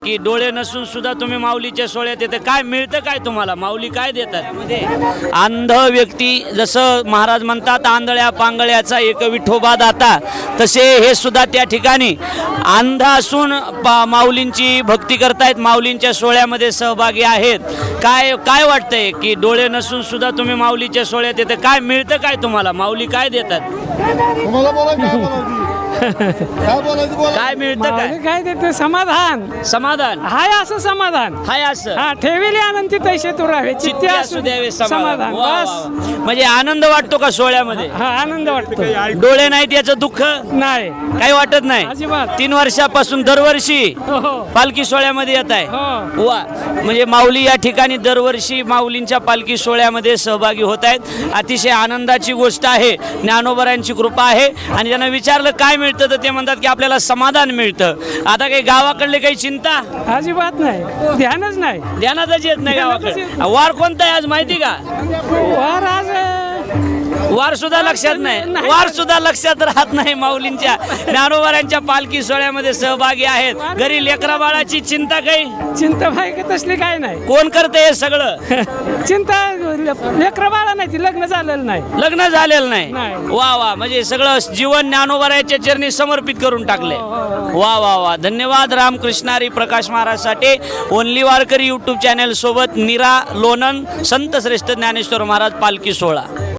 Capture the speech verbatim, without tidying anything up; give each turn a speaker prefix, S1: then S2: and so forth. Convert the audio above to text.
S1: की डोळे नसून सुद्धा तुम्ही माऊलीच्या सोहळ्यात येते, काय मिळतं, काय तुम्हाला माऊली काय देतात? अंध व्यक्ती, जसं महाराज म्हणतात आंधळ्या पांगळ्याचा एक विठोबा दाता, तसे हे सुद्धा त्या ठिकाणी अंध असून माऊलींची भक्ती करतायत, माऊलींच्या सोहळ्यामध्ये सहभागी आहेत. काय काय वाटतंय की डोळे नसून सुद्धा तुम्ही माऊलीच्या सोहळ्यात येते, काय मिळतं, काय तुम्हाला माऊली काय देतात? काय मिळतं, काय
S2: काय देते? समाधान.
S1: समाधान
S2: हाय असं समाधान.
S1: हाय असं
S2: हा ठेविले आनंदी तैसे तू राहावे, चित्ते असू
S1: द्यावे
S2: समाधान.
S1: वा, वा,
S2: बस
S1: वा. म्हणजे आनंद वाटतो का सोहळ्यामध्ये?
S2: हा आनंद वाटतो.
S1: डोळे नाहीत याचं दुःख
S2: नाही,
S1: काही वाटत नाही.
S2: अजिबात.
S1: तीन वर्षापासून दरवर्षी
S2: हो हो
S1: पालखी सोहळ्यामध्ये येत आहे.
S2: हो.
S1: वा, म्हणजे माऊली या ठिकाणी दरवर्षी माऊलींच्या पालखी सोहळ्यामध्ये सहभागी होत आहेत. अतिशय आनंदाची गोष्ट आहे. ज्ञानोबरांची कृपा आहे. आणि त्यांना विचारलं काय मिळतं, तर ते म्हणतात की आपल्याला समाधान मिळतं. आता काही गावाकडले काही चिंता
S2: अजिबात नाही, ध्यानच नाही.
S1: ध्यानातच येत नाही गावाकडे. वार कोणता आहे आज माहिती का?
S2: वार आज
S1: वार सुद्धा लक्षात नाही, वार सुद्धा लक्षात राहत नाही. माऊलींच्या ज्ञानोबरांच्या पालखी सोहळ्यामध्ये सहभागी आहेत. घरी लेकरा बाळाची चिंता काही
S2: चिंता भाई का तसली काय नाही.
S1: कोण करते हे सगळं?
S2: चिंता लेकरं बाळा नाही, ती लग्न झालेलं नाही,
S1: लग्न झालेलं नाही.
S2: नाही.
S1: वा वा, म्हणजे सगळं जीवन ज्ञानोबराच्या चरणी समर्पित करून टाकले. वा वा वा, धन्यवाद रामकृष्णारी Prakash Maharaj Sathe. Only Warkari YouTube channel सोबत नीरा लोणन संत श्रेष्ठ ज्ञानेश्वर महाराज पालखी सोहळा.